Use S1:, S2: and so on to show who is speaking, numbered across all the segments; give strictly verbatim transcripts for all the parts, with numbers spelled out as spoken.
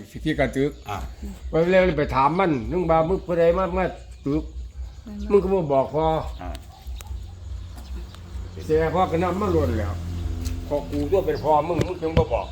S1: ที่กระตึกไปเร็วไปถามมันนึกว่ามึงผู้ใดมามาตึกมึงก็บ่บอกพอเสียพ่อก็นำมาล้วนแล้วพอกูตัวเป็นพ่อมึงมึงจึงบ่บอก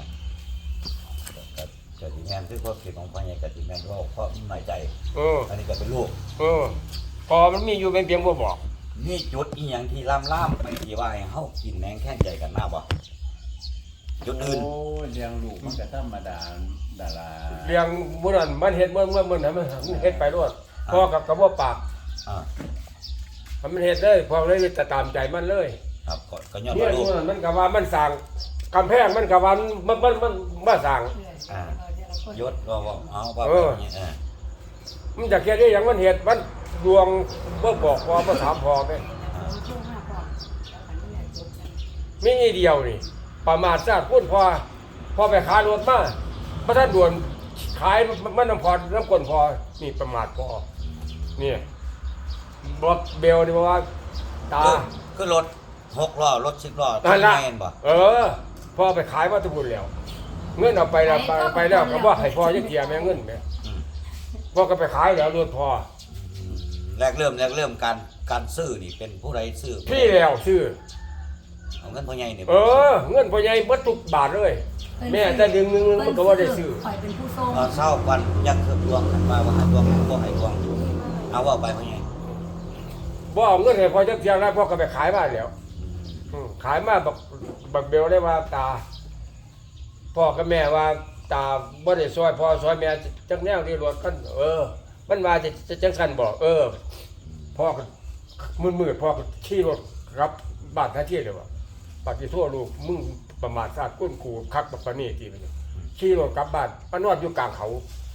S2: กติแมนคือความคิดของพ่อใหญ่กติแมนว่าเพราะหน่อยใจ
S1: เออ
S2: อันนี้ก็เป็นลูก
S1: เออพอมันมีอยู่เป็นเพียงบ่บอก
S2: นี่จุดอีหยังที่ล่ำล่ำไปที่ว่าให้เฮากินแมงแค่ใจกันหน้าบ่จุดอื่น
S3: โอ้เลี้ยงลูกมันก็ธรรมดาดารา
S1: เลี้ยงมื้อนั้นมันเฮ็ดเมื่อเมื่อมื้อนั้นมันเฮ็ดไปรอดพ่อกับกับบ่ปาก
S2: อ่า
S1: มันเฮ็ดเลยพอเลยจะตามใจมันเลย
S2: ครับก็ย้อน
S1: ว่าลูกมันก็ว่ามันสร้างกำแพงมันก็ว่ามันมันมันมาสร้าง
S2: อ่ายศว่าว่าเอาว่าแบบนี้เออ
S1: มันจะเฮ็ดได้หยังมันเฮ็ดมันดวงบ่บอกพอบ่ถามพอแม่มีอีเดียวนี่ประมาทซะพุ่นพอพอไปขายรถมาบ่ทันด่วนขายมันน้ำพอน้ำก้นพอนี่ประมาทพอนี่บอกเบลนี่ว่าตา
S2: คือรถหกล้อรถสิบล้อ
S1: ทำไง
S2: บ่
S1: เออพ่อไปขายวัตถุบุญแล้วเงินเอาไปแล้วไปแล้วก็ว่าให้พ่อยังเกียร์แม่เงินแม่พ่อก็ไปขายแล้วรถพ่อ
S2: แรกเริ่มแรกเริ่มการการซื้อนี่เป็นผู้ใดซื้อ
S1: พี่แล้วซื้อ
S2: เอาเงินพ่อใหญ่นี่
S1: เออเงินพ่อใหญ่เบิดทุกบาทเลยแม่แต่ดึงนึงมันก็ว่าได้ซื้อ
S4: ข่อยเป็นผู้ส่ง
S2: เศร้าวันยังเกือบดวงมาว่าดวงบ่ให้ดวงเอาว่าไปพ่อใหญ่
S1: บ่เอาเงินให้พ่อจักเที่ยงแล้วพ่อก็ไปขายบ้านแล้วขายมาบักบักเบลได้ว่าตาพ่อกับแม่ว่าตาบ่ได้ซอยพ่อซอยแม่จักแนวที่รถกันเออมันว่าจะจะจังซั่นบ่เออพ่อก็มืดๆพ่อก็ขี่รถรับบ้านท่าเที่ยวเลยว่าปฏิทั่วลูกมึงประมาทซาดก้นขู่คักบักปะนี่ที่มันขี่รถกลับบ้านมานอนอยู่กลางเขา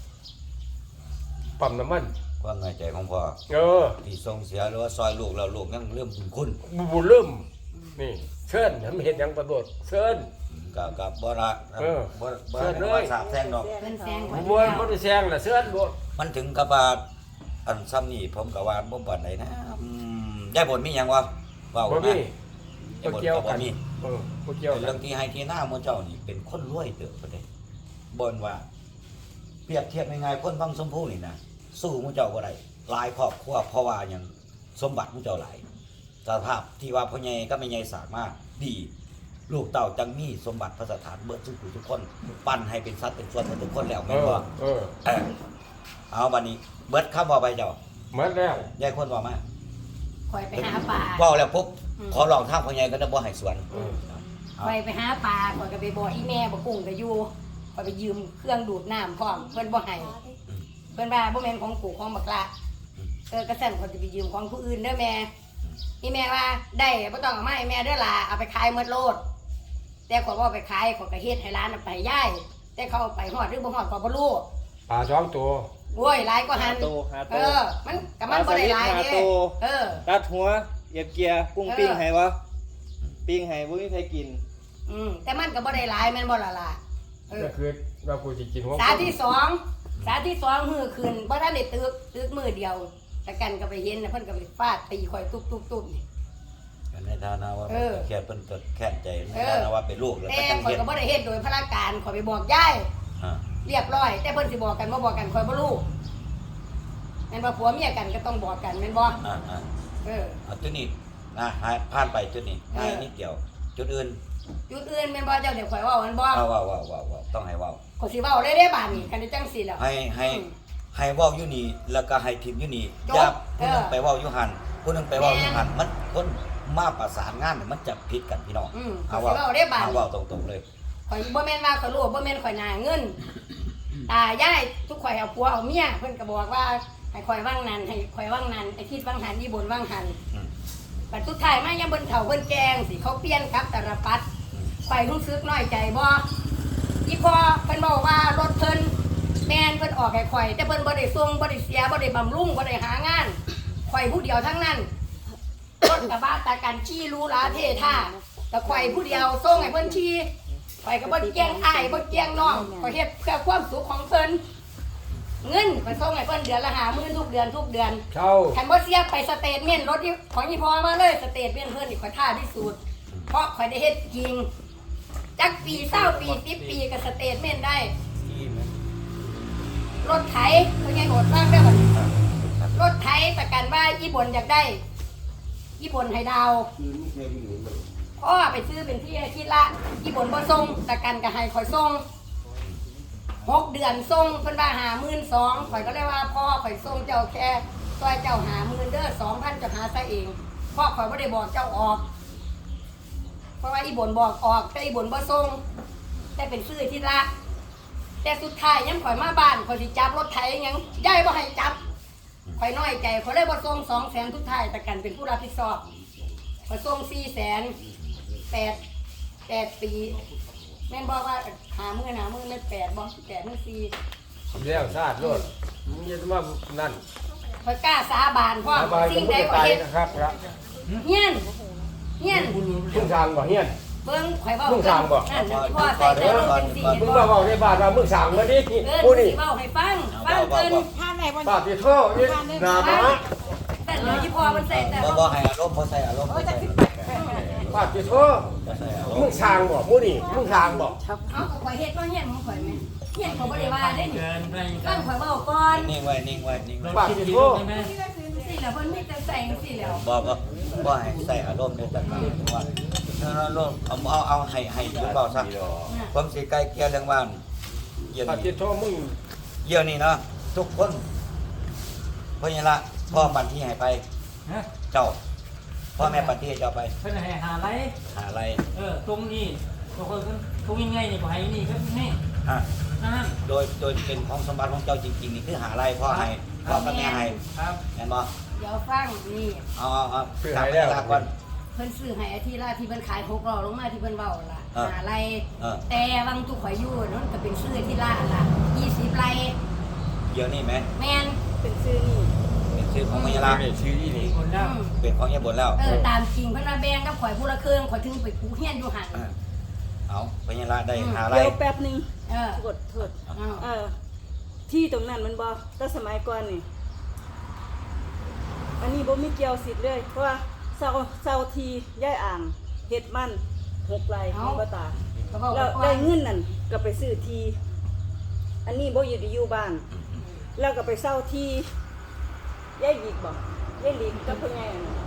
S1: ปั๊มน้ำมัน
S2: ความในใจของพ่อ
S1: เออ
S2: ที่ส่งเสียหรือว่าซอยลูกแล้วลูกยังเริ่มบุญคุณ
S1: บุญเริ่มนี่เชิญทำเห็นยังประโดดเชิญ
S2: กับกับบ่ละ
S1: เออ
S2: บ่บ่ได้สาบแซงดอก
S1: บ่บ่ได้แซงล่ะเชิญโดด
S2: มันถึงกับว่าอันซ้ำนี่ผมก็ว่าบ่ปานใดนะอืมยายบ่มีหยังวะเว้า
S1: บ่มี
S2: บ่เกี่ยวกัน
S1: เออบ่เกี่ยว
S2: เรื่องที่ให้ที่หน้าหมู่เจ้านี่เป็นคนรวยเด้อประเด้บ่นว่าเปรียบเทียบง่ายๆคนบางสมภูนี่นะสู้หมู่เจ้าบ่ได้หลายครอบครัวเพราะว่าหยังสมบัติหมู่เจ้าหลายสภาพที่ว่าพ่อใหญ่ก็ไม่ใหญ่สามารถดีลูกเต่าจังมีสมบัติพระสถานเบิดทุกผู้ทุกคนปั้นให้เป็นสัตว์เป็นส่วนทุกคนแล้วแม่นบ่
S1: เออ
S2: เอาบัดนี้เบิดคำบ่ไปเจ้า
S1: หมดแล้ว
S2: ยายคนบ่มา
S4: ข่อยไปหาปลา
S2: เว้าแล้วปุ๊บขอลองทางพ่อใหญ่ก็จะบ่ให้สวน
S4: ข่อยไปหาปลาข่อยก็ไปบอกอีแม่บ่กุ้งก็อยู่ข่อยไปยืมเครื่องดูดน้ำพร้อมเพิ่นบ่ให้เพิ่นว่าบ่แม่นของกูของบักละเออกระสั่นข่อยจะไปยืมของผู้อื่นเด้อแม่อีแม่ว่าได้บ่ต้องเอามาให้แม่เด้อล่ะเอาไปขายหมดโลดแต่ข่อยบ่ไปขายข่อยก็เฮ็ดให้ร้านไปย้ายแต่เขาไปฮอดหรือบ่ฮอดก็บ่รู้
S1: ปลาสองตัว
S4: โอ้ยหลายกว่าหันเออมันก็มันบ่ได้หลายเด้เออ
S3: ตัดหัวเหยียบเกียร์กุ้งปิ้งให้บ่ปิ้งให้บ่มีใครกิน
S4: อืมแต่มันก็บ่ได้หลายแม่นบ่ล่ะล่ะ
S1: เออคือว่ากูสิกินหัว
S4: สาที่สองสาที่สองมื้อคืนบ่ทันได้ตึกตึกมื้อเดียวแต่กันก็ไปเห็นนะเพิ่นก็ไปฟาดตีข่อยตุ๊บๆๆนี่
S2: ในฐานะว่าแค่เพิ่นก็แค้นใจในฐานะว่าเป็นลูกแล้ว
S4: แต่ข่อยก็บ่ได้เฮ็ดโดยพละการข่อยไปบอกยายเรียบร้อยแต่เพิ่นสิบอกกันบ่บอกกันข่อยบ่รู้แม่นบ่ผัวเมียกันก็ต้องบอกกันแม่นบ่
S2: อ่าๆเออเอาจุดนี้นะหายผ่านไปจุดนี้ง่ายนิดเดียวจุดอื่น
S4: จุดอื่นแม่นบ่เจ้าเดี๋ยวข่อยเว้ามันบ่
S2: เว้าๆๆๆต้องให้เว้า
S4: ข่อยสิเว้าเลยเด้บาดนี้คันจังซี่แล้ว
S2: ให้ให้ให้เว้าอยู่นี่แล้วก็ให้ทีมอยู่นี่อย่าผู้นึงไปเว้าอยู่หั่นผู้นึงไปเว้าอยู่หั่นมันคนมาประสานงานมันจะผิดกันพี่น้อง
S4: เอาเว้าได้บาด
S2: เอาเว้าตรงๆเลย
S4: ข่อยบ่แม่นว่าข่อยรู้บ่แม่นข่อยหน้าเงินตายายทุกข่อยเอาผัวเอาเมียเพิ่นก็บอกว่าให้ข่อยว่างนั้นให้ข่อยว่างนั้นไอ้ทิศว่างหันอีบนว่างหันบัดสุดท้ายมายังเบิ่นเฒ่าเบิ่นแกงสิเขาเปลี่ยนครับตะระปัดข่อยรู้สึกน้อยใจบ่อีพ่อเพิ่นบอกว่ารถเพิ่นแม่นเพิ่นออกให้ข่อยแต่เพิ่นบ่ได้ส่งบ่ได้เสียบ่ได้บำรุงบ่ได้หางานข่อยผู้เดียวทั้งนั้นรถกระบะตากันชี้รู้ลาเทท่าแต่ข่อยผู้เดียวส่งให้เพิ่นชี้ข่อยก็บ่แกล้งอ้ายบ่แกล้งน้องข่อยเฮ็ดเพื่อความสุขของเพิ่นเงินข่อยส่งให้เพิ่นเดือนละห้าหมื่นทุกเดือนทุกเดือน
S1: เช่า
S4: คันบ่เสียไปสเตทเมนต์รถที่ของอีพ่อมาเลยสเตทเมนต์เพิ่นนี่ข่อยท่าที่สุดเพราะข่อยได้เฮ็ดจริงจักปีเศร้าปีสิบปีก็สเตทเมนต์ได้รถไถเป็นไงโหดมากได้อบัดนี้รถไถประกันว่าญี่ปุ่นอยากได้ญี่ปุ่นให้ดาวพ่อไปซื้อเป็นที่ที่ละญี่ปุ่นบ่ส่งประกันก็ให้ข่อยส่งหกเดือนส่งเพิ่นว่าหาหมื่นสองข่อยก็เลยว่าพ่อข่อยส่งเจ้าแค่ซอยเจ้าหาหมื่นเด้อสองพันจะหาซะเองพ่อข่อยบ่ได้บอกเจ้าออกเพราะว่าอีบ่นบอกออกแต่อีบ่นบ่ส่งแต่เป็นซื้อที่ละแต่สุดท้ายยังข่อยมาบ้านข่อยสิจับรถไถยังยายบ่ให้จับข่อยน้อยใจข่อยเลยบ่ส่งสองแสนทุกท้ายแต่กันเป็นผู้รับผิดชอบข่อยส่งสี่แสนแปดแปดปีแม่นบอกว่าหามือหามือไม่แปดบอกแปดมือสี่
S1: แล้วซาดรถมึงจะมานั่น
S4: ข่อยกล้าสาบานพ่อ
S1: สบาย
S4: สิ่
S1: ก็
S4: ง
S1: มึ
S4: ใด
S1: ง
S4: ก็
S1: ตาย
S4: เฮ็ด
S1: นะครับละ
S4: เฮียนเฮียน
S1: มึงสร้างบ่เฮียน
S4: เบิ่งข่อยเว้า
S1: มึงสร้างบ่
S4: นั่นน่ะที่พ่อใส่ใจรถเป็นสี่
S1: มึง
S4: บ่
S1: มาบอกในบ้านว่ามึงสั่งมาดิ
S4: เออ
S1: กูนี่
S4: สิเว้าให้ฟังฟังเพิ่น
S5: ท่านไหนบน
S1: ป้าติโท่นี่นามา
S4: แต่เดี๋ยวที่พ่อมันใส่แต่
S2: บ่
S4: ว่า
S2: บ่ให้อารมณ์บ่ใส่อารมณ์บ่ใส่
S1: ป้าติโท่
S2: บ่ใส่อารม
S1: มึง
S2: ณ์
S1: สั่งบ่มูนี่มึงสั่งบ่
S4: เอาก็ข่อยเฮ็ดว่าเฮียนของข่อยแม่เฮียนเขาบ่ได้ว่าได้นี่
S5: เกินไป
S4: ฟังข่อยเว้าก่อน
S2: นิ่งไว้นิ่งไว้นิ่งไว้
S1: ป้าติโท่
S4: สิแล้วเพิ่นมีแต่ใส่จังซี่แล้ว
S2: บ่บ่บ่ให้ใส่อารมณ์ในจังหวะว่าถ้าเราลงเอาเอาเอาให้ให้หยุดเบาซะผมสิใกล้เกลียเรื่องบ้านเยี่ยม
S1: ป้าติ
S2: นี่
S1: โท่มึง
S2: เยี่ยมนี่เนาะทุกคนเพราะงั้นละพ่อบันที่ให้ไป
S5: ฮะ
S2: เจ้าพ่อแม่บันที่ให้เจ้าไป
S5: เพิ่นให้หาไร
S2: หาอะไร
S5: เออตรงนี้ตรงคนตรงยังไงนี่ก็ให้นี่ก็นี่
S2: ฮะ
S5: นั่น
S2: โดยโดยเป็นของสมบัติของเจ้าจริงๆนี่คือหาอะไรพ่อให้พ่อกับแม่ให้
S5: ครับ
S2: แม่นบ่
S4: เดี๋ยวฟังนี่
S2: เอาเอาเอาตามไปตามก่อน
S4: เพิ่นซื้อให้อาทิตย์ละที่เพิ่นขายหกล้อลงมาที่เพิ่นเว้าล่ะ
S2: เออ
S4: หาไร
S2: เออ
S4: แต่บางตุกข่อยอยู่นั่นก็เป็นซื้อที่ละล่ะยี่สิบไร
S2: เดี๋ยวนี้ไหม
S4: แม่นเป็นซื้อนี่
S2: เป็นชื่อของมายาลา
S1: นี่ชื่ออี
S5: มี
S1: นี่
S5: คนแล้ว
S4: อืม
S2: เป็นของยาบนแล้ว
S4: เออตามจริงเพิ่นว่าแบ่งกับข่อยผู้ละครึ่งข่อยถึงไปผูเฮียนอยู่หั่น
S2: เออเอามายาลาได้หาอะไร
S6: เดี๋ยวแป๊บหนึง
S4: เออ
S6: กดโทษ
S4: เอา
S6: เออที่ตรงนั้นมันบ่แต่สมัยก่อนนี่ อันนี้บ่มีเกี่ยวสิทธิ์เลย เพราะว่าเซาเซาทีย่ายอ่างเฮ็ดมันหกไร่ของบ่ตา
S4: ก็บอก
S6: แล้ว
S4: ว่า
S6: ได้เงินนั่นก็ไปซื้อที อันนี้บ่อยู่ได้อยู่บ้าน แล้วก็ไปเซาทีย่ายหลีกบ่ย่ายหลีกกับพ่อใหญ่นั่น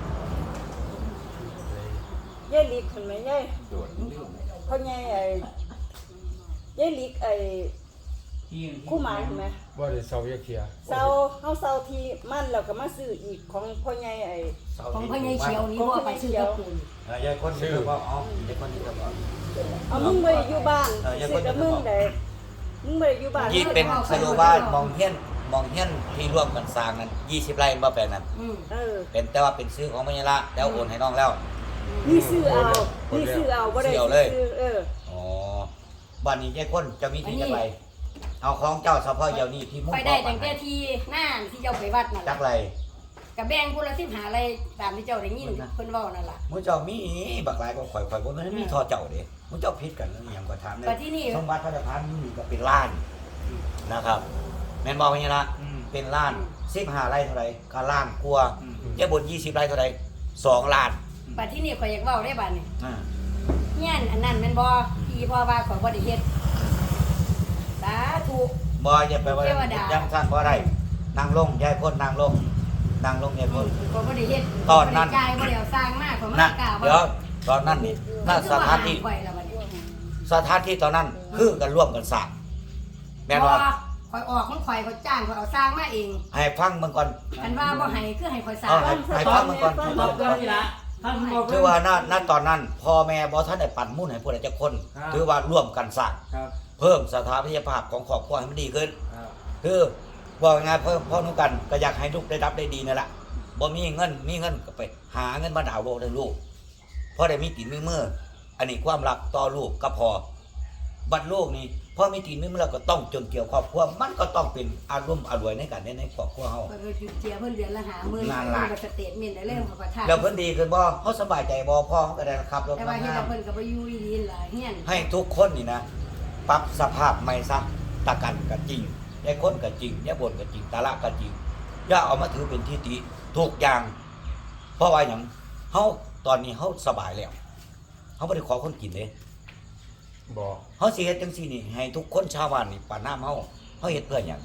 S6: ย่ายหลีกเห็นไหมย่ายพ่อใหญ่ไอ้ย่ายหลีกไอ้
S5: ที่
S6: คู่หมายเห็นไหม
S1: บ่ได้เซาเยกเทีย
S6: เซาเฮาเซาทีมันแล้วก็มาซื้ออีกของพ่อใหญ่ไอ้
S4: ของพ่อใหญ่เขียวนี่บ่ไปซื้อกับปูน
S2: เออยายคนชื่อว่าอ๋อยายคนนี้ก็บอก
S6: เอามึงบ่ได้อยู่บ้าน
S2: เอออย่า
S6: ซื้อกับ
S2: คนเดี
S6: มึ
S2: ยว
S6: งได้มึงบ่ได้อยู่บ้าน
S2: ยี่เป็นสรุปว่ามองเฮียนมองเฮียนที่ร่วมกันสร้างนั้นยี่สิบไร่บ่แปลงนั้น
S4: อืม
S6: เออ
S2: เป็นแต่ว่าเป็นซื้อของมายาลาแล้วโอนให้น้องแล้ว
S6: นี่ซื้อเอานี่ซื้อเอาบ่ได้
S2: ซื้อเอาเลย
S6: ซื้อเออ
S2: อ๋อบ้านนี้ยายคนจะมีที่จักไรเอาของเจ้าเฉพาะเดี๋ยวนี้ที่มุ่ง
S4: ไปได้ตั้งแต่ที่หน้าที่เจ้าไปวัดนั่น
S2: จั
S4: ล่ะ
S2: กไร
S4: กับแบ่งผู้ละสิบหาอะไรตามที่เจ้าได้ยินเพิ่นเว้านั่นล่ะ
S2: มุ้เจ้ามีบักหลายก็ข่อยข่อยบ่มันมีทอเจ้าเด้มุ้เจ้าผิดกันแล้วอหย่างก็ถามได้
S4: แต่ที่นี่
S2: สมบัติพระราชทานนี่ก็เป็นล้านนะครับแม่นบอกว่าอย่างนี้นะเป็นล้านสิบห้าไร่เท่าไหร่ก็ล้านกลัวายบนยี่สิบไร่เท่าไหร่สองล้าน
S4: บัดที่นี่ข่อยอยากเว้าได้บัดนี่
S2: อ่า
S4: เฮียนอันนั้นแม่นบ่ที่พ่อว่าข่อยบ่ได้เฮ็ดสาธุ
S2: บ่อย่าไปว่า
S4: เทวดา
S2: ยังสั้นบ่ได้นั่งลงยายคนนั่งลงนั่งลงยายคน
S4: ข่อยบ่ได้เฮ็ด
S2: ตอนนั้น
S4: บ่ได้จ่ายบ่ได้เอาสร้างมาข่อยมา
S2: นะ
S4: กล่าว
S2: เดี๋ยวตอนนั้นนี่น่าสถานที่
S4: ข่อยแล้วบัดนี้
S2: สถานที่ตอนนั้นคือกันร่วมกันสร้างแม่น
S4: บ่
S2: ว่า
S4: ข่อยออกของข่อยข่อยจ้างข่อยเอาสร้างมาเอง
S2: ให้ฟังเบิ่งก่อน
S4: คันว่าบ่ให้คือให้ข่อยสร้า
S2: เอา
S4: ง
S2: ให้ให้ฟังเบิ่งก่อน
S5: ตอบกันนี่ละท่านบอก
S2: ถือว่าณณตอนนั้นพ่อแม่บ่ทันได้ปั่นมุ่นให้ผู้ใดจักคน ถือว่าร่วมกันสร้าง
S5: ครับ
S2: เพิ่มสถาปัตยภาพของครอบครัวให้มันดีขึ้น
S5: ครับ
S2: คือบอกง่ายๆเพิ่มพ่อนุกันก็อยากให้ลูกได้รับได้ดีนั่นแหละบ่มีเงินมีเงินก็ไปหาเงินมาดาวน์โลกให้ลูกเพราะได้มีตีนมีมืออันนี้ความรักต่อลูกก็พอบัดลูกนี่พอมีตีนมีมือแล้วก็ต้องจนเกี่ยวครอบครัวมันก็ต้องเป็นอารมณ์อร่วยในการในในครอบครัวเฮา
S4: ข่อยก็เสียเพิ่นเดือนละห้าหมื่น
S2: นั่น
S4: เพิ่
S2: ล่ะ
S4: นก็สเตทเมนต์ได้เลยข่อยประทาน
S2: แล้วเพิ่นดีขึ้นบ่เฮาสบายใจบ่พ่อเขาก็ได้ขับรถ
S4: แต่
S2: มา
S4: ว่าเฮ็ด
S2: งา
S4: ให้
S2: ม
S4: เพิ่นก็บ่อยู่อีหลีหลายเฮียน
S2: ให้ทุกคนนี่นะปรับสภาพใหม่ซะตะกันก็จริงยายคนก็จริงยายบ่นก็จริงตาละก็จริงอย่าเอามาถือเป็นที่ติทุกอย่าง เพราะว่าหยังเฮาตอนนี้เฮาสบายแล้วเฮาบ่ได้ขอคนกินเด้
S1: บ่
S2: เฮาสิเฮ็ดจังซี่นี่ให้ทุกคนชาวบ้านนี่ปานน้ำเฮาเฮาเฮ็ดเพื่อหยัง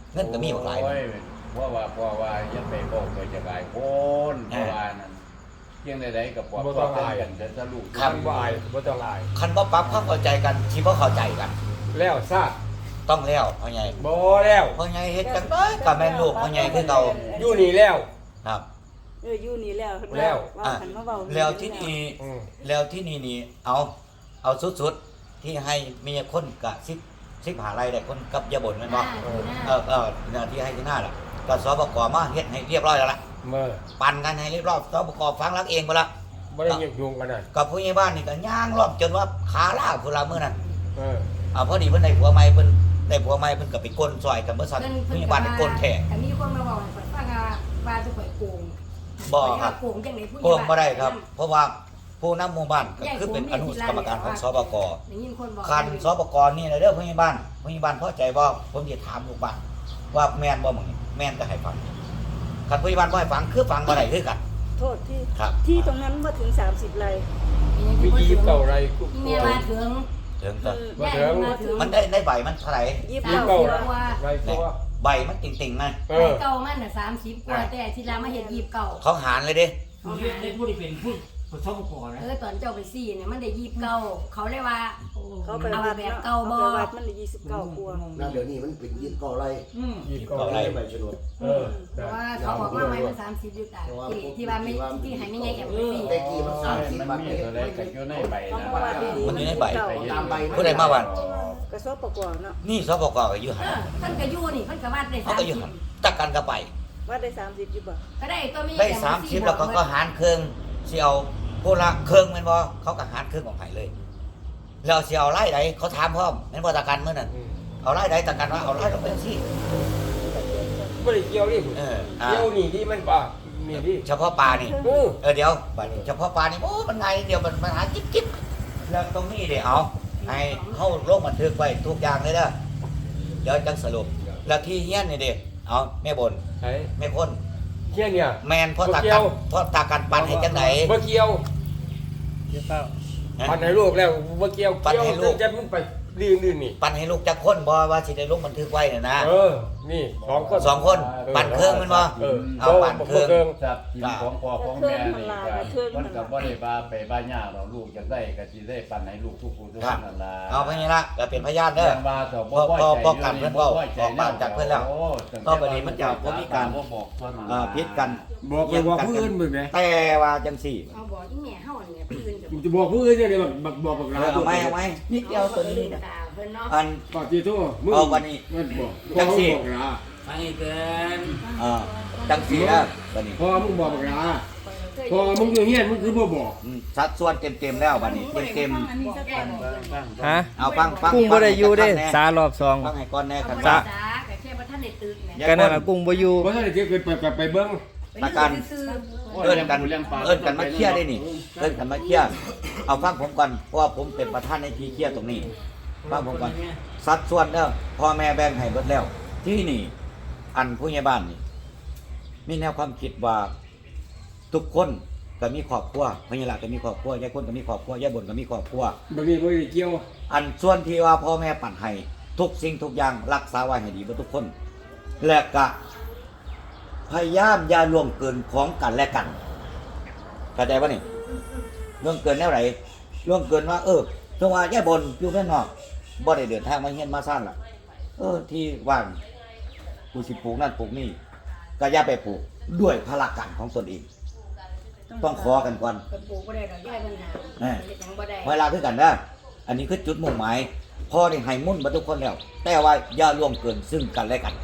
S2: เงินก็มีบักหลาย
S7: โอ้ยเพราะว่าเพราะว่ายังไปบอกไปจะหลายคนเพราะว่านั่นเพียงใดๆกับปอด
S1: บ่ต้องอาย
S7: กันจะสรุป
S1: คันบ่อายบ่ต้องอาย
S2: คันบ่ปรับความเข้าใจกันสิบ่เข้าใจกัน
S1: แล้วซาด
S2: ต้องแล้วพ่อใหญ่
S1: บ่แล้ว
S2: พ่อใหญ่เฮ็ดจังได๋ก็แม่นลูกพ่อใหญ่คือเก่า
S1: อยู่นี่แล้ว
S2: ครับ
S6: เอออยู่นี่แล้ว
S1: แล้ว
S6: ว่า
S2: อ่ะ
S6: หันมาเว้า
S2: แล้วที่นี่
S1: อืม
S2: แล้วที่นี่นี่เอาเอาสุดๆที่ให้มีคนกะสิบสิบหาไรได้คนกับยาบ่นแม่นบ่
S4: เออ
S2: เออเออหน้าที่ให้ที่หน้าล่ะก็สบกมาเฮ็ดให้เรียบร้อยแล้วล่ะ
S1: เมื่อ
S2: ปั่นกันให้เรียบร้อยสบกฟังรักเองบ่ละ
S1: บ่ได้ยุ่งยุ่งกันน่ะ
S2: กับผู้ใหญ่บ้านนี่ก็ย่างรอบจนว่าขาล้าวพุ่นละมื้อนั้น
S1: เออ
S2: อ่าพอดีเพิ่นได้ผัวใหม่เพิ่นได้ผัวใหม่เพิ่นก็ไปก้นซอยกันเบิดซั่นผู้ใหญ่บ้านนี่ก้นแท้
S4: แต่มีคนมาบอกให้ข่อยฟังว่าว่าจะข่อยโกง
S2: บ่ครับ
S4: โกงจังได๋ผู้ให
S2: โก
S4: ญ่
S2: งบ่ได้ครับ เพราะว่าผู้นำหมู่บ้านก็คือเป็นอนุกรรมการของสบก
S4: ได้ยินคนบอก
S2: คันสบกนี่นะเด้อผู้ใหญ่บ้านผู้ใหญ่บ้านพอใจบ่ผมสิถามลูกบ้านว่าแม่นบ่หมึงนี่แม่นก็ให้ฟังคันผู้ใหญ่บ้านบ่ให้ฟังคือฟังบ่ได้คือกัน
S6: โทษที่
S2: ครับ
S6: ที่ตรงนั้นบ่ถึงสามสิบไร่
S1: มียี่สิบเก้าไรกู
S4: อีเมลมาถึง
S2: ถึงก็
S1: บ่ถึง
S4: มาถึง
S2: มันได้ได้ใบมันเท่าไหร่
S6: ยี่สิบ
S1: ยี่สิบ
S6: เก้า
S1: เก้า
S6: สิบ
S1: ไรไรตัว
S2: ใบมันติ่งๆนะ
S1: เอ
S4: ไป
S1: อ
S4: เก่ามันน่ะสามสิบกว่าแต่ที่เรามาเห็นยีบเก่า
S2: เขาหารเลยเด้
S5: ผู้ที่ได้ผู้ที่เป็นผู้ประสบก่อนนะ
S4: เออตอนเจ้าไปซี่เนี่ยมันได้ยีบเก่าเขาเลยว่า
S6: เขาไป
S4: เอา
S6: วัด
S4: แบบ
S6: เนาะ
S4: เก่าบ่
S6: เขาไปวัดมันได้ยี่สิบเก้ากว่า
S8: นั่นเดี๋ยวนี้มันเป็นยี่สิบเก้าไร่
S5: อืม
S1: ยี่สิบเก้า
S8: ไร่ใบชนด
S1: เออ
S4: เพราะว่าเขาบอกว่าไม้มันสามสิบอยู่แต่ที่ที่ว่าไม่ที่ให้ไม่ไงแอบไปซี่
S8: ได้กี่มันสามสิบ
S7: มัน
S8: บาท
S7: มีตัวใดก็อยู่ในใบ
S6: เขา
S7: นะ
S6: มาวัดดีๆ
S2: มันอยู่ในใบ
S6: เก้า
S8: ตามใบ
S2: ผู้ใดมาวัน
S6: กระสอบประกอบเนาะ
S2: นี่สบกก็อยู่หั
S4: เอน อเพิ่นก็อยู่นี่เพิ่นก็วัดได้
S2: เขา
S4: สาม
S2: ก็อยู่
S4: สิบ
S2: หันตักกันก็ไป
S6: วัดได้สามสิบอยู่บ่
S4: ก็ได้ตัวมี
S2: ได้สามสิบแล้วก็ก็หารเครื่องสิเอาผู้ละเครื่องแม่นบ่เขาก็หารเครื่องของไห้เลย แล้วสิเอาไร่ใดเขาถามพร้อมแม่นบ่ตะกันมื้อนั้นเอาไร่ใดตะกันว่าเอาไร่ต้องเป็นสิ
S1: บ่ได้เกี่ยวนี่
S2: เอออ่า
S1: เกี่ยวนี่ที่มันป่านี่ที่
S2: เฉพาะปลานี่
S1: เออ
S2: เออเดี๋ยวบัดนี้เฉพาะปลานี่โอ้มันไงเดี๋ยวมันปัญหาจิ๊บจิ๊บแล้วตรงนี้เดี๋ยวเอาให้เข้าลงบันทึกไว้ทุกอย่างเลยเด้อเดี๋ยวจังสรุปแล้วที่เฮียนนี่เด้เอาแม่บน
S1: ไอ้
S2: แม่คน
S1: เที่ยเนี่ย
S2: แมนพ่อตา
S1: บ่เกี่
S2: กั
S1: ย
S2: น
S1: ว
S2: พ่อตากันปันให้จังไหน
S1: บ่เกี่ยว
S3: เดี๋ยวเปล่า
S2: ฮะ
S1: ปันให้ลูกแล้วบ่เกี่ยว
S2: ปันให้ลูก
S1: เกี่ยวจะมันไปลื่นๆนี่
S2: ปันให้ลูกจักคนบ่ว่าสิได้ลงบันทึกไว้น่ะนะ
S1: เออ นี่สองคน
S2: สองคนปั่นเครื่องแมันบ่
S1: เออ
S2: เอาปั่นเครื่อง
S1: บิ่
S7: จับกินของพ่อของแม่นี่ก็มันก็บ่ได้ว่าไปบ้านย่าเราลูกจะได้ก็สิได้ปันให้ลูกทุกผู้ทุกคนนั่นล่ะ
S2: เอาไปนี่ละก็เป็นพยานเด้อ
S7: ยังว่าต่อ
S2: พอพอพอกันเพิ่นเว้า
S7: บ่ใจ
S2: ออกปากจากเพิ่นแล้ว
S7: โอ้
S2: ต่อไปนี้มันจะบ่มีการ
S7: บ่บอกเท่านั้น
S2: อ่าพิษกัน
S1: บอกไปบอกผู้อื่นมึงไง
S2: แต่ว่าจังสี่
S4: เขาบอกอีแม่เฮาเนี่ยพื้นจะ
S1: มึงจะบอกผู้อื่นเนี่ยแบบบอกบอกบอกหลา
S2: เอาไหมเอาไหมนิดเดียวตัวนี้นะ
S4: เพิ่นเนาะ
S2: อัน
S1: ก่อนที่ทั่วมึง
S2: เอาวันนี้
S1: มันบอก
S2: จังสิ
S1: พ่อมึบอกหลา
S5: ฟังอีกเกิน
S2: เอ่าจังสี่แล้วบัดนี้
S1: พ่อมึงบอกบอกหลาพ่อมึงอยู่เฮียนมึงคือบ่บอก
S2: อืมสัดส่วนเต็มๆแล้วบัดนี้เต็ม
S3: ฮะ
S2: ๆเอาฟังฟัง
S3: กุ้งบ่ได้อยู่เด้
S2: ฟังให้
S3: สารอบสอง
S2: ฟังให้ก่อนแน่กัน
S4: จ้า
S2: จ้า
S4: ก็แค่บ่ทันได้ตื่นแม่
S3: กันนั่นน่ะกุ้งบ่อยู่
S1: เพราะฉะนั้นเดี๋ยวเกิดไปไปเบิ้ง
S2: ตะการ
S4: ซื้อ
S2: เอิ้นกันเอิ้นกันมาเคลียร์ได้นี่เอิ้นกันมาเคลียร์เอาฟังผมก่อนเพราะว่าผมเป็นประธานในที่เคลียร์ตรงนี้ฟังผมก่อนสัดส่วนเด้อพ่อแม่แบ่งให้เบิดแล้ว ที่นี่อันผู้ใหญ่บ้านนี่มีแนวความคิดว่าทุกคนก็มีครอบครัวพญาละก็มีครอบครัวยายคนก็มีครอบครัวยายบนก็มีครอบครัว
S1: บางทีบ่ได้เกี่ยว
S2: อันส่วนที่ว่าพ่อแม่ปั่นให้ทุกสิ่งทุกอย่างรักษาไว้ให้ดีเบ่ทุกคน และก็พยายามอย่าล่วงเกินของกันและกันเข้าใจป่ะนี่ล่วงเกินแนวไหนล่วงเกินว่า เออจังว่าแย่บนอยู่ข้างนอกบ่ได้เดินทางมาเฮียนมาซ่านล่ะ เออที่ว่างกูสิปลูกนั่นปลูกนี่ก็อย่าไปปลูกด้วยพละการของตนเอง ต้องขอกันก่อน
S4: เพิ่นปลูกบ่ได้ดอกย่ายปัญหา
S2: แน่
S4: เฮ็ดหยังบ่ได้
S2: เวลาคือกันนะอันนี้คือจุดมุ่งหมายพ่อได้ให้มุ่นมาทุกคนแล้ว แต่ว่าอย่าล่วงเกินซึ่งกันและกัน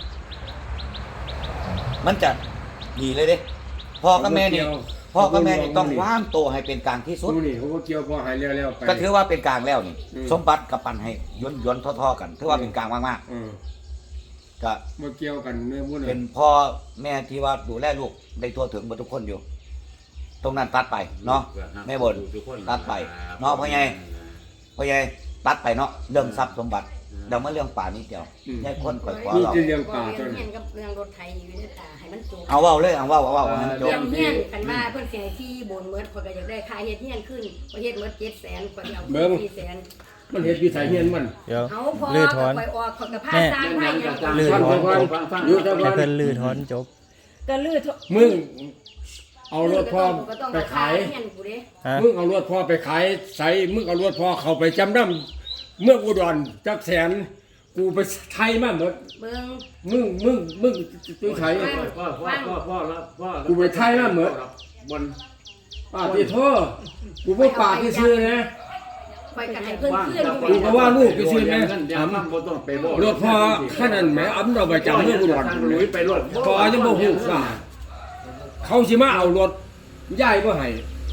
S2: มันจะดีเลยเด้พ่อกับแม่นี่พ่อกับแม่นี่ต้องวางตัวให้เป็นกลางที่สุด
S1: ดูนี่เขาก็เกี่ยวพอหายแล้วๆไป
S2: ก็ถือว่าเป็นกลางแล้วนี่
S1: อืม
S2: สมบัติกับปันให้ย้อนย้อนท่อๆกันถือว่าเป็นกลางมาก
S1: เออ
S2: ๆก็
S1: บ่เกี่ยวกันเนื้อมุ่น
S2: เป็นพ่อแม่ที่ว่าดูแลลูกได้ทั่วถึงหมดทุกคนอยู่ ตรงนั้นตัดไปเนาะแม่บนตัดไปเนาะพ่อใหญ่พ่อใหญ่ตัดไปเนาะเรื่องทรัพย์สมบัติเดี๋ยวมาเรื่องป่านี้เดียวยายคนข่อยขวา
S1: นี่
S2: เรา
S1: จะเรื่องป่า
S4: เรื่
S1: ตั
S4: อ
S1: ว
S4: ง
S1: นี้
S4: เฮียนกับเรื่องรถไถอยู่ในตาให้มันจบ
S2: เอาเว้าเลยเอาเว้าเอาเว้าเอาให้มันจ
S4: เรื่
S2: บ
S4: องเฮียนกันว่าเพิ่นสิให้ที่บนเมิดข่อยก็อยากได้ค่าเฮ็ดเฮียนขึ้นข่อยเฮ็ดเมิดเจ็ดแสนข่อยเอาสี่แสน
S1: มันเฮ็ดอยู่ไสเฮียนมัน
S9: เดี๋ยว
S4: เอาพอ
S9: ลื้อถอน
S4: ไปออกของกับผ้า
S9: แม่
S4: สร้างให้ยัง
S9: ลื้อถอน
S1: ฟังฟังอยู่แต่
S9: ให้
S1: ว่า
S9: เพิ่นลื้อถอนจบ
S6: ก็ลื้อถ
S1: มึงเอารถพ่อไปขาย
S4: เฮียนกูเด้
S9: ฮะ
S1: มึงเอารถพ่อไปขายใส่มึงเอารถพ่อเขาไปจำนำเมืองอุดรจักแสนกูไปไทยมาหมด
S4: เบิ่ง
S1: มึงมึงมึงตื้อไทย
S7: พ่อพ่อพ่อพ่อแล้วพ่อ
S1: กูไปไทยมาเหมือน
S7: บน
S1: ป้าที่โทษกูบ่ปากที่ซื้อนะ
S4: ไปกันให้เพื่อน
S7: ว่าง
S4: เพื่อน
S7: จะ
S4: อยู่
S1: กูก็ว่าลูกไปซื้อนะ
S7: อย่ามั่งบ่ต้องไปบ่
S1: รถพ่อขนาดแหมอำเราไปจำเมืองอุดร
S7: ทางลุยไปรถ
S1: พอจะบ่ฮู้ว่าเขาสิมาเอารถย้ายบ่ให้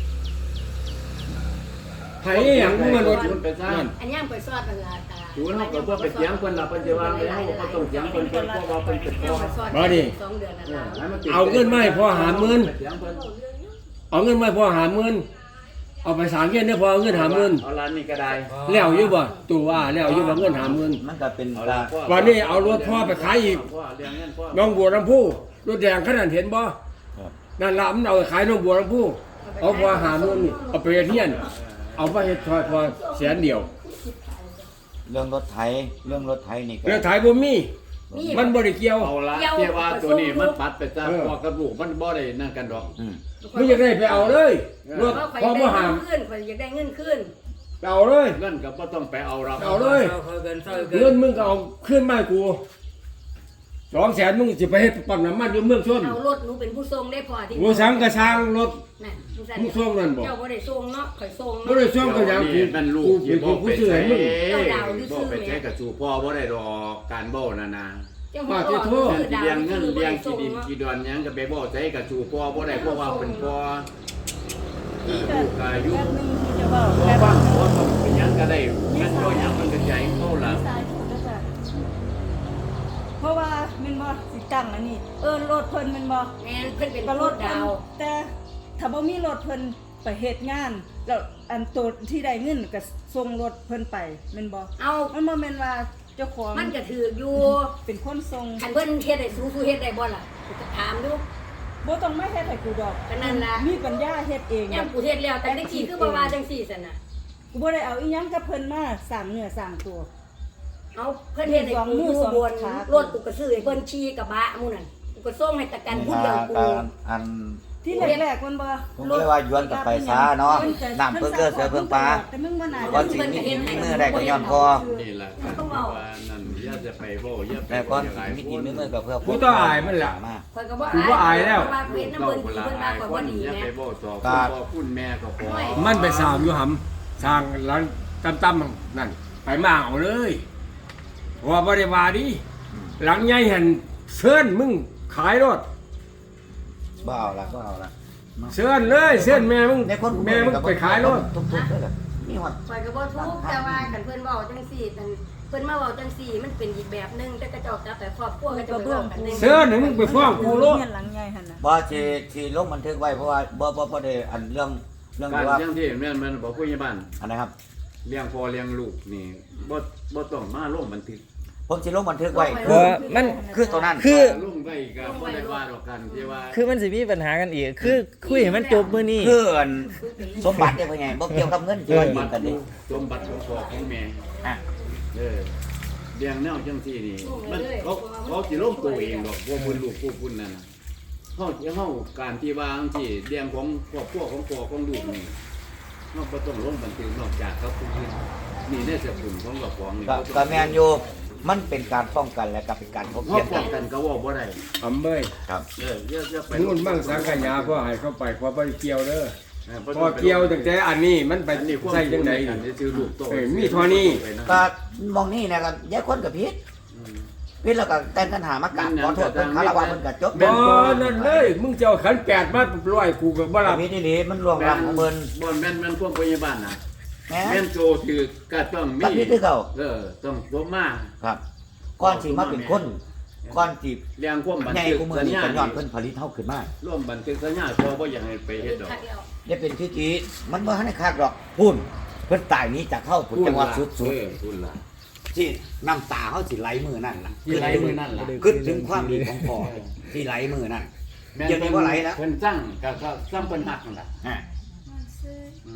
S1: ให้อีหยังกูมารถนั่น
S4: อันย่างไปซอดกันละตา
S7: ดูเฮาก็บ่ไปเถียงเพิ่นล่ะเพิ่นสิว่าเฮาก็ต้องเถียงเพิ่นเพิ่นเพราะว่าเพิ่นเป็นพ่อ
S1: มาดิ
S4: สองเดือนนะ
S1: เอาเงินมาให้พ่อหาหมื่น
S7: เถียงเพิ่น
S1: เอาเงินมาให้พ่อหาหมื่นเอาไปสร้างเงินได้พอเอาเงินหาหมื่น
S7: เอาร้านนี้ก็ได้
S1: แล้วอยู่บ่ตัวว่าแล้วอยู่บ่เงินหาหมื่น
S2: มันก็เป็น
S7: เอา
S2: กา
S7: ละ
S2: ร
S1: วันนี้เอารถพ่อไปขายอีก
S7: พ่อเลี้ยงเงินพ่อ
S1: น้องบัวลำพูรถแดงขนาดเห็นบ่นั่นละมันเอาไปขายน้องบัวลำพูเอาพอหาเงินนี่เอาไปเฮียนเอาไปเฮ็ดทอยพอแสนเดียว
S2: เรื่องรถไถเรื่องรถไถนี่ก็
S1: เรื่องถ่ายบ่มีมันบ่ได้เกี่ยว
S7: เอาละที่ว่าตัวนี้มันปัดไปจ้าพ่อกับลูกมันบ่ได้นั่นกันดอก
S2: อืม
S1: มึงอยากได้ไปเอาเลยรถ
S4: เพราะ
S1: พอ
S4: ข่อย
S1: บ่
S4: ได้
S1: หาม
S4: เงินขึ้นข่อยอยากได้เงินขึ้น
S1: ไปเอาเลย
S7: เงินก็บ่ต้องไปเอาเรา
S1: เอาเลย
S5: เศร้าเกินเศร้าเกิ
S1: เงิ
S5: น
S1: นมึงก็เอาขึ้นมาให้กูสองแสนมึงสิไปเฮ็ดปั๊มน้ำมันอยู่เมืองชน
S4: เอารถหนูเป็นผู้ทรงได้พอที่
S1: กูสังกระช่างรถ
S4: น่ะผู้สั่น
S1: มึงส่งนั่นบ่
S4: เจ้าบ่ได้ส่งเนาะข่อยส่ง
S1: บ่
S4: เนาะ
S1: ได้ช่วงก็ยังกู
S7: มันลู
S1: กู
S7: ก
S1: เป็นคนผู้ซื้อให้มึง
S7: บ่ไปใช้กับสู่พ่อบ่ได้ดอกการเบ้านั่นนะ
S4: เจ้า
S1: ว่า
S4: พ่อ
S1: ที่โทษ
S4: คือดาว
S7: เลี้ยงเงิน
S4: คือบ่
S7: เลี้ยง
S4: ได้
S7: กี่
S4: ส่ง
S7: ดิน
S4: เนาะ
S7: กี่ดอนหยังก็ไปบ่ใช้กับสู่พ่อบ่ได้เพราะว่าเป็นพ่อลูกก็อายุ
S6: แป๊บนึงที่จะเว้า
S7: พ่อ
S6: แป๊บ
S7: บ้าน
S6: นึง
S7: พ่อต้องเป็นหยังก็ได้แม่นบ่หยังมันก็ใจเขาล่ะ
S6: สายถูกแล้วจ้ะเพราะว่าแมันบ่สิตั้งอันนี้ เออรถเพิ่นแมันบ่
S4: แม่นเพิ่นเป็น
S6: ก็
S4: ร
S6: ร
S4: ถ
S6: ถเพิ่
S4: ดาน ว
S6: แต่ถ้าบ่มีรถเพิ่นไปเฮ็ดงาน แล้วอันตัวที่ได้เงินก็ส่งรถเพิ่นไปแม่นบ่
S4: เอา
S6: มันบ่แม่นว่าเจ้าของ
S4: มันก็ถืออยู่
S6: เป็นคนส่ง
S4: คันเพิ่นเฮ็ดให้สู้สู้เฮ็ดได้บ่ล่ะกูจะถามดู
S6: บ่ต้องมาเฮ็ดให้กูดอก
S4: ก็นั่นล่ะ
S6: มีปัญญาเฮ็ดเอง
S4: ยามกูเฮ็ดแล้วแต่จังซี่คือบ่ว่าจังซี่ซั่นน่ะ
S6: กูบ่ได้เอาอีหยังกับเพิ่นมาสร้างเนื้อสร้างตัว
S4: เอาเพิ่นเฮ็ดให้กูอยู่บนรถกูก็ซื้อให้เพิ่นขี่กระบะหมู่นั่นกูก็ส่งให้ตะกันผู้เดียวกู
S2: การอัน
S6: ที่แรกๆมันบ่
S2: ผมเลยว่าย้อนกลับไปซะเนาะน้ำเพิ่งเกิดเสือเพิ่งปลา
S6: แต่มึงบ่น่า
S2: ก่อนสิมีมีมือได้ก็ย้อนพอ
S7: นี่ล่ะก็ว่านั่นอย่าจะไปบ่อย่าไป
S2: แต่ก่อน
S7: หลาย
S2: มี
S7: ค
S2: กิน
S7: น
S2: มีมือก็เพื่อ
S1: กูต้องอายมันแหละ
S2: มา
S4: ข่อยก็บ่
S1: กูก็อายแล้ว
S4: เพระว่าเพิ่นน้ำเพิ่นดีเพิ่นว่าข่อยบ่ดี
S7: อย่า
S4: แห
S7: ไป
S4: ม่
S7: บ่ต่อ
S2: ครั
S7: คุณ
S2: บ
S7: พ่อคุณแม่ก็พอ
S1: มันไปสร้างอยู่หำสร้างหลังต่ำๆนั่นไปมาเอาเลยเพราะว่าบ่ได้ว่าดิหลังใหญ่หันเชิญมึงขายรถ
S2: บ่เอาละบ่เอาละ
S1: เชิญเลยเชิญแม่มึง
S2: ในคน
S1: แม่มึงไปขายรถ
S2: ทุกๆเลยล่ะมีฮอด
S4: ข่อยก็บ่ทุกข์แต่ว่าคันเพิ่นเว้าจังซี่นั่นเพิ่นมาเว้าจังซี่มันเป็นอีกแบบหนึงแต่กระเจ้าจับแต่ครอบครัวก็จะไปเว้ากันหนึง
S1: เชิญให้มึงไปฟ้องกูรถ
S6: เฮียนหลังใหญ่หั่นน่ะ
S2: บ่ที่ที่ลงบันทึกไว้เพราะว่าบ่บ่บ่ได้อันเรื่องเรื่อง
S7: การ
S2: ที่ว่า
S7: เลี้ยงที่แม่นมันบอกผู้ใหญ่บ้าน
S2: อันนะครับ
S7: เลี้ยงพ่อเลี้ยงลูกนี่บ่บ่ต้องมาลงบันทึก
S2: ผมสิลงบันทึกไว้
S9: บ่มัน
S2: คือตัวนั้น
S9: คือ
S7: ลงไว้ก็บ่ได้ว่าดอกกันที่ว่า
S9: คือมันสิมีปัญหากันอีก คือคุยให้มันจบมื้อนี้
S2: คืออันสมบัติเนี่ยพ่อใหญ่บ่เกี่ยวกับเงินที่ว่ายืมกันนี่
S7: สมบัติของพ่อของแม่
S2: อ่ะ
S7: เออเลี้ยงแนวจังซี่นี่มันเขาเขาสิลงตัวเองดอกบ่บุญลูกผู้บุญนั่นน่ะเฮาเฮาการที่ว่าจังซี่เลี้ยงของครอบครัวของพ่อของลูกนี่เฮาบ่ต้องลงบันทึกนอกจากกับผู้อื่นนี่ในสกุลของกับของนี่
S2: ก็ก็แม่นอยู่มันเป็นการป้องกันและก็เป็นการพบ
S7: เฮา
S2: เทียบ
S7: ป้
S2: กั
S7: อน งกันก็เว้าบ่ได้
S1: อำเบ้ย
S2: ครับ
S7: เอออย่าอย่าไป
S1: นู่นมั่งสังขยาพ่อให้เข้าไปพอบ่ได้เกี่ยวเด้อ
S7: เออ
S1: พอเกี่ยวตั้งแต่อันนี้มันไป
S7: อันนี้ความ
S1: ใส่จังได๋
S7: กันซื้อลูกโต
S1: เออมีเท่านี้
S2: ก็มองนี่นะครับแยกคนกับพิษ
S7: อืม
S2: พิษแล้วก็แต่งกันหามากราบขอโทษเพิ่นคารวะเพิ่นก็จบ
S1: บ่นั่นเลยมึงจะเอาขันแปดมาร้อยกูก็บ่รับ
S2: พิษนี่มันล่วงล้ำของเพิ่น
S7: บ่แม่นแม่นความพยาบาลน่ะ
S2: แหม
S7: แม่นโจถือก็ต้องมี
S2: กับพิษคือเก่า
S7: เออต้องสมมา
S2: ครับก่อนสิมาเป็นคนก่อนสิ
S7: เรียงความบัน
S2: ใหญ่
S7: ทึก
S2: กูมือ
S7: สัญ
S2: นี่
S7: ญา
S2: ก็ย้อนเพิ่นผลิตเฮาขึ้นมา
S7: ร่วมบันทึกสัญญาพอบ่อยากให้ไปเฮ็ดดอก
S2: ได้เป็นพิธีมันบ่ทันได้คักดอกพุ่นเพิ่นตายหนี้จากเฮาพุ่นจังหวัดสุด
S7: เออพูดล่ะ
S2: ๆที่น้ำตาเฮาสิไหลมือนั่นล่ะ
S7: ที่ไหลมือนั่นล่ะ
S2: คิดถึงความดีของพ่อที่ไหลมือนั่น เดี๋ยวนี้บ่ไหลแล้ว
S7: เพิ่นสั่งก็ก็สั่งเพิ่นฮักนั่นล่ะ
S2: ฮะ
S7: อืม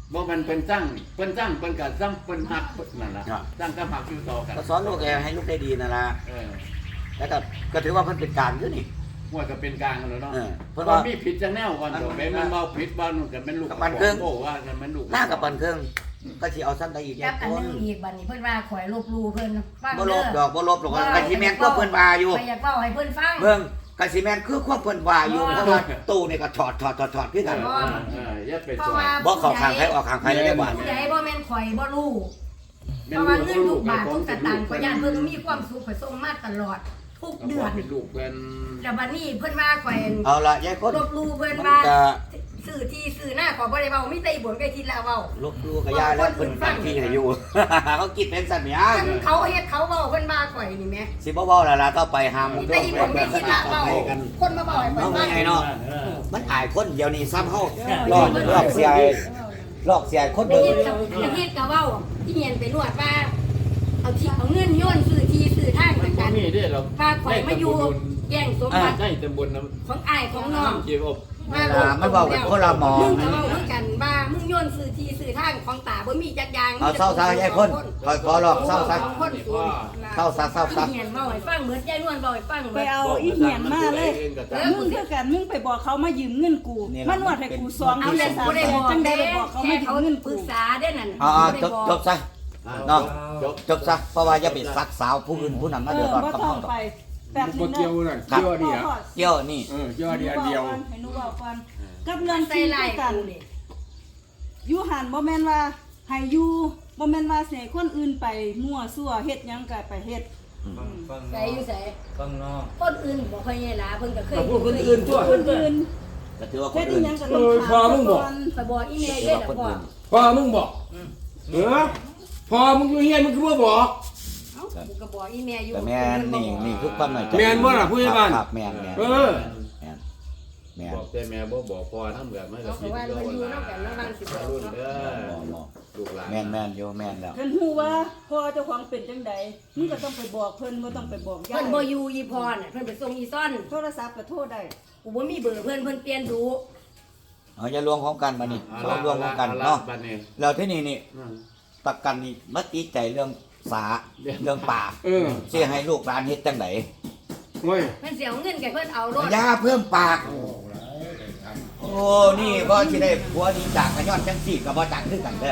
S7: บ่มันเป็นสร้างเพิ่นสร้างเพิ่นก็สร้างเพิ่นฮักนั่นล่ะสร้างกับฮักอยู่ต่อกัน
S2: ก็สอนลูกให้ลูกได้ดีนั่นล่ะ
S7: เออ
S2: แล้วก็ก็ถือว่าเพิ่นเป็นกลางอยู่นี่
S7: ว่าก็เป็นกลางกันแล้วเนาะ
S2: เออเพิ่
S7: เพิ่
S2: น
S7: น
S2: ว่า
S7: ว่ามีผิดจังแนวกันดอกแม่มันเว้าผิดบ้านนู่นก็เป็นลูก
S2: กับบ้านเครื่อง
S7: โอ้ว่ากันมันลูก
S2: หน้ากับปันเครื่องก็สิเอาซ้ำได้อีก
S4: จับอันหนึงอีกบัดนี้เพิ่นว่าข่อยลบหลู่เพิ่นฟัง
S2: บ่ล
S4: เด้
S2: บ
S4: อ
S2: ดอกบ่ลบดอกก็สิแม่นก็เพิ่นว่าอยู่
S4: ข่อยอยากเว้าให้เพิ่นฟัง
S2: เบิ่งก็สิแม่นคือความเพิ่นว่าอยู่เพราะว่าตู้นี่ก็ถอดถอดถอดถอดคือกัน
S7: เออเอออย่าไป
S4: เพ
S7: ส
S4: ราะ
S7: อน
S4: ว่า
S2: บ่เข้าข้างใครออกข้างใครเลยได้บ่
S4: ผู้ใหญ่บ่แม่นข่อยบ่รู้เพราะว่าเงินลูกบาททุกสตางค์ข่อยย่านเพิ่นมีความสุขข่อยส่งมาตลอดทุกเดือน
S7: เป็นลูกเพิ่น
S4: แล้วบัดนี้เพิ่นว่าข่อย
S2: เอาละยายคน
S4: ลบหลู่เพิ่น
S2: มัน
S4: ว่า
S2: ก็
S4: ซื้อที่ซื้อหน้าขอบ่ได้เว้ามีแต่อีบ่นใกล้ทิศแล้วเว้า
S2: ลบดูกับยายแล้วเพิ่นตั้งที่ให้อยู่ เขาคิดเป็นสัตว์เนี่ย
S4: คันเขาเฮ็ดเขาเว้าเพิ่นว่าข่อยนี่แหม
S2: สิบ่เว้าและล่ะก็ไปหาม
S4: มีแต่อีบ่นใกล้ทิศแล้วเว้าคนมาเว้าให้ข่อย
S2: เอา
S4: ฟัง
S2: ไงเนาะมันอายคนเดียวนี่ซ้ำเฮาลอกลอกเสียลอกเสียคน
S4: ได้
S2: เบิ่ง
S4: ยินกับได้ยินกับเว้าที่เฮียนไปนวดว่าเอาที่เอาเงินโยนซื้อที่ซื้อทาง
S7: มัน
S4: กัน
S7: มีเด้เรา
S4: ว่าข่อยมาอยู่แย่งสมบัติ
S7: ได้ตำบลน้
S4: ของอ้ายของน้อง
S7: ำเกี่ยวกับ
S2: เวลามันเว้ากันคนละหมอง
S4: มึงก็เว้าคือกันว่ามึงโยนซื้อที่ซื้อทางของตาบ่มีจักอย่าง
S2: เอาเศร้าซะยายคนคอยขอลอกเศร้าซะ
S4: ของคนสูง
S2: เศร้าซะเศร้าซะ
S4: ที่เฮียนเว้าให้ฟังเหมือนยายนวลเว้าให้ฟังเห
S6: ไป
S4: มือน
S6: เอาอีเหียนมาเลยมึงคือกันมึงไปบอกเขามายืมเงินกูมานวดให้กูสอง
S4: เอา
S6: เดื
S4: เรื่
S6: อ
S4: อน ง
S6: สาม
S4: บ่ได้
S6: เดือน
S4: บอก
S6: จังได้
S4: เด้
S6: ไปบอกเขา
S4: แค่
S6: มายื
S4: เขา
S6: มเงิน
S4: ปรึ
S6: กู
S4: กษาเด้อนั่น
S2: อ่า
S4: บ่ได้
S2: จบ
S4: บอก
S2: จบซะเนาะ
S7: จบ
S2: จบซะเพราะว่าอย่าไปซักสาวผู้อื่นผู้นั้นมา
S6: เอ
S2: เดือ
S6: อ
S2: ดร้อน
S6: บ่
S2: กับ
S6: ต้อ
S2: เฮาง ดอก
S6: ไปแบบ
S1: บ่
S6: นี้
S1: เกี่ยว
S6: เนาะ
S1: นั่นเกี่ยวนี่อ่ะ
S2: เกี่ยวนี่
S1: เออเกี่ยวอันเดียวอันเดียว
S6: ให้หนูบอกก่อนกับเรื่อง
S4: ใส่
S6: ที่
S4: ลาย
S6: กัน
S4: กูนี่
S6: อยู่หันบ่แม่นว่าให้อยู่บ่แม่นว่าสิให้คนอื่นไปมั่วซั่วเฮ็ดหยังก็ไปเฮ็ด
S4: ใส่อยู่ใส่
S5: ฟังนอก
S4: คนอื่นบ่ค่อยใหญ่หลาเพิ่นก็เคย
S1: แต่พวกคนอื่นตัว
S6: คนอื่น
S2: ก็ถือว่าค
S6: เฮ็
S2: น
S6: ดอี
S2: อื่น
S6: หยังก็ต้อง
S1: เออพอมึงบอก
S4: ข่อยบอกอีแม่
S2: ถือ
S4: เด้อ
S2: ว่า
S4: เด้
S2: ค
S4: อน พ่อ
S2: อื่น
S1: พอมึงบอกเออพอมึงอยู่เฮียนมึงคือบ่บอก
S4: เอ้ากูก็บอกอีแม่อยู่
S2: แต่แม่นนี่นี่คือความหน่อยใจ
S1: แม่นบ่ล่ะผู้ใหญ่บ้าน
S2: ครับแม่นแม่น
S1: เออ
S2: แม่นแม่น
S7: บอกแต่แม่บ่บอกพ่อน้ำแบบมันก็
S4: เอา
S7: ผิ
S4: เขา
S7: ด
S4: ว่า
S7: ก็
S4: มันอยู่
S7: วัน
S4: นำกันแล้วบางสิบอก
S7: รุ่น
S4: เนาะ
S7: เด้อ
S2: บ่บ่
S7: ลูกหลาน
S2: แม่นแม่นอยู่แม่นแล้ว
S6: คันฮู้ว่าพ่อเจ้าของเป็นจังใดมึงก็ต้องไปบอกเพิ่นบ่ต้องไปบอกยา
S4: เพิ่
S6: ย
S4: นบ่อยู่อีพรน่ะเพิ่นไปส่งอีซ่อน
S6: โทรศัพท์ก็โทรได้
S4: กูบ่มีเบอร์เพิ่นเพิ่นเปลี่ยนดู
S2: เอาอย่าลวงของกันมานี่
S7: เอา
S2: เรา
S7: ละ
S2: ลวงของกัน
S7: อละ
S2: เนาะ
S7: บัดนี้
S2: แล้วที่นี่นี่
S7: อืม
S2: ประกันนี่มาติดใจเรื่องสา
S7: เรื่อง
S2: เรื่องป่า
S1: เออ
S2: สิให้ลูกหลานเฮ็ดจังได
S1: โอ้ย
S4: เพิ่นสิเอาเงินกับเพิ่นเอารถ
S2: อย่าเพิ่มปาก โอ้นี่บ่สิได้ผัวนี่จากกระย้อนจังซี่ก็บ่จักคือกันเด้อ